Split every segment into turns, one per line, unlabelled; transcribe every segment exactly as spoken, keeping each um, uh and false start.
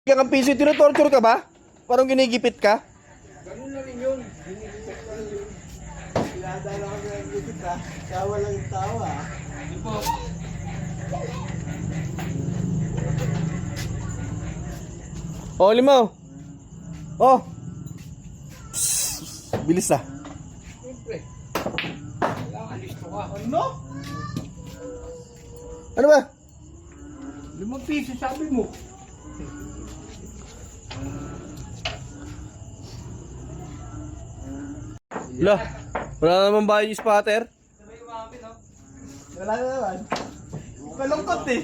Kang piso, tinotorture ka ba? Parang ginigipit ka?
Ganun na rin yun. Ginigipit ka rin yun. Pinadala ko na ginigipit ka. Tawa lang yung tawa. Hindi po.
Oh, limaw. Oh. Psst. Bilis ah.
Siyempre. Kailangan listo ka. Ano?
Ano ba?
Limang piso sabi mo.
Wala. Wala naman bayad yung spotter.
Wala na naman. Kalungkot eh.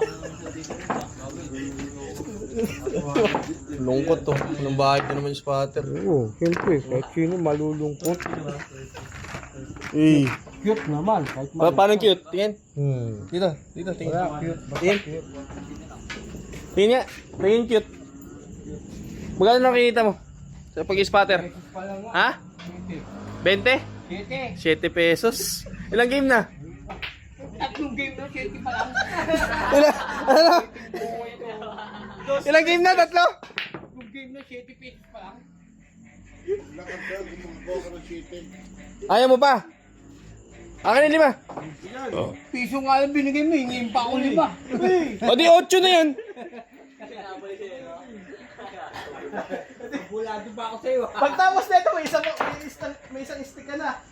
Lungkot to. Anong bayad na naman yung spotter?
Oo, siyempre. Kahit sino malulungkot.
Eh.
Cute naman. Kahit
Pa paano cute? Tingin.
Hmm.
Dito. Dito. Tingin.
Wala, cute. Basta
Tingin.
cute.
Tingin nga. Tingin cute. Magkano nakikita mo? Sa pag-spotter?
Pa lang nga.
Ha? twenty?
Siyete.
seven pesos. Ilang game na?
Tatlong game na, siyete pa lang.
Ilang, ano? Ilang game na? Tatlo?
Tatlong game na, siyete pesos pa lang.
Ayaw mo pa? Akin yung lima.
Piso nga lang binigay mo, hingin pa ako lima.
O di otso na yan.
Bulado pa ako sa'yo.
Pagtapos nito may isang may isang, may isang stick ka na.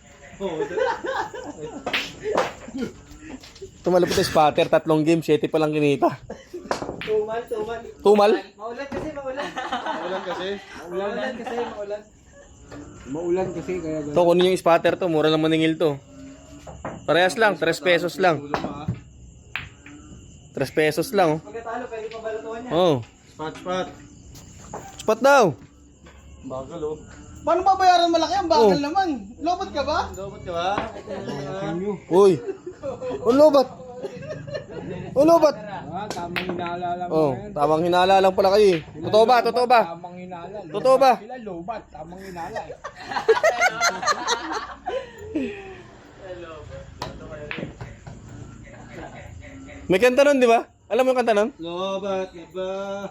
Tumalapit yung spotter, tatlong game, seven pa lang kinita.
Tumal, tumal.
Tumal?
Maulan kasi, maulan.
Maulan kasi?
Maulan kasi, maulan.
Maulan kasi kaya
To, kunin yung spotter to, mura lang maningil to. Parehas lang, three pesos lang. three pesos lang, oh.
Pagkatalo, pwede pa balatuhan niya.
Oh.
Spot, spot.
Spot daw.
Bagal oh.
Paano babayaran malaki? Ang bagal
Oh.
naman. Lobot ka ba?
Lobot ka ba?
Uy. Ang lobat. Ang lobat.
Ah, tamang hinala lang
Oh,
mo yan.
tamang hinala lang pala kayo. eh. Totoo ba? Totoo ba?
Tamang hinala.
Totoo ba?
Sila lobat, tamang hinala. eh.
May kanta nun, di ba? Alam mo yung kanta nun?
Lobat na ba?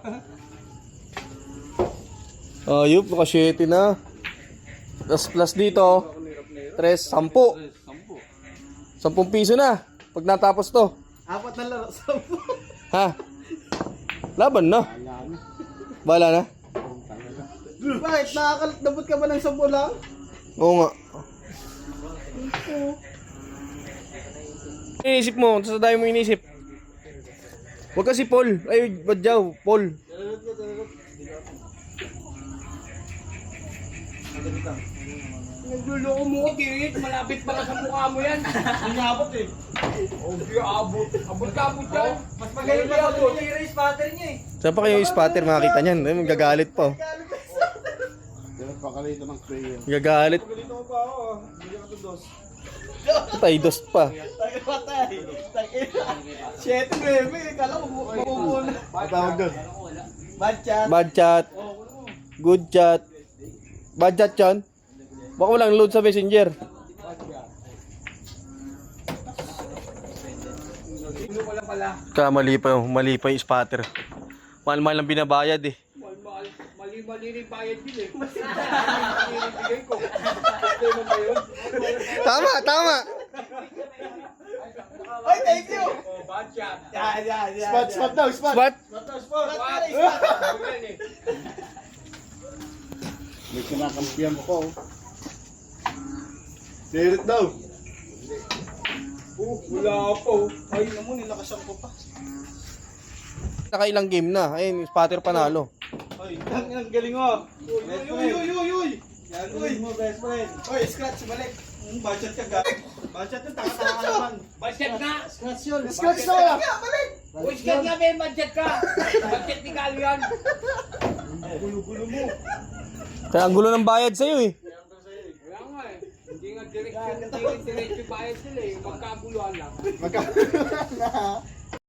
Ayup, naka seven na. Plus plus dito. Tres, sampu.
Sampo.
Sampung piso na. Pag natapos to.
Apat na laro sa
Ha? Laban na. Bala na.
Bakit? Nakakalabot ka ba ng sampo lang?
Oo nga. Inisip mo, sa dami mo inisip. Huwag kasi Paul. Ay, badyaw, Paul.
Nagluloko mo ko, Kirit. Malapit pa ka sa mukha mo yan. Hindi abot eh. Oh, di abot. Abot ka, abot yan. Mas magaling ka abot.
Tira yung spotter niya eh.
Saan pa kayo yung spotter makakita niyan? Ay, magagalit pa. oh.
Pakalito ng prayer.
Magagalit.
Pakalito mo pa ako. Hindi ka to dos.
Tay, dost pa.
Tayo patay. Siyete, bebe. Kala ko makukuha na.
Tawag doon.
Bad chat.
Bad chat. Good chat. Bad chat yun? Baka walang load sa messenger.
Ano pala pala?
Kamali pa yung, mali pa yung spotter. Mahal-mahal ang binabayad eh.
Mahal-mahal. Mali-mali rin bayad yun eh. Mali-mali rin bigay ko. Ito naman ba yun?
Tama, tama.
Ay, thank you.
Oh, bad shot.
Yan, yan, yan.
Spot, spot daw, spot.
Spot.
Spot daw, spot.
Spot.
Yan eh. May kinakampiyan ko. Sirit daw. Oh, wala po.
Ay, naman, nilakasan ko pa.
Nakailang game na. Ayun, yung spotter panalo.
Ay, ang, ang galing mo. Best friend. Uy, uy, uy, Yan, uy. mo, best friend. Uy, scratch, balik. Hmm, budget ka, gag. Budget yun, taka-taka ka naman.
Budget nga.
Scratch yun. Scratch na wala. Balik.
Uy, sikat nga may budget ka. Budget ni Kalo yan.
Gulo-gulo mo.
Kaya ang gulo ng bayad sa'yo eh.
Wala nga eh. Hindi nga direksyon, hindi nga direksyon bayad sila eh. Magkabuluhan lang.
Magkakaroon na.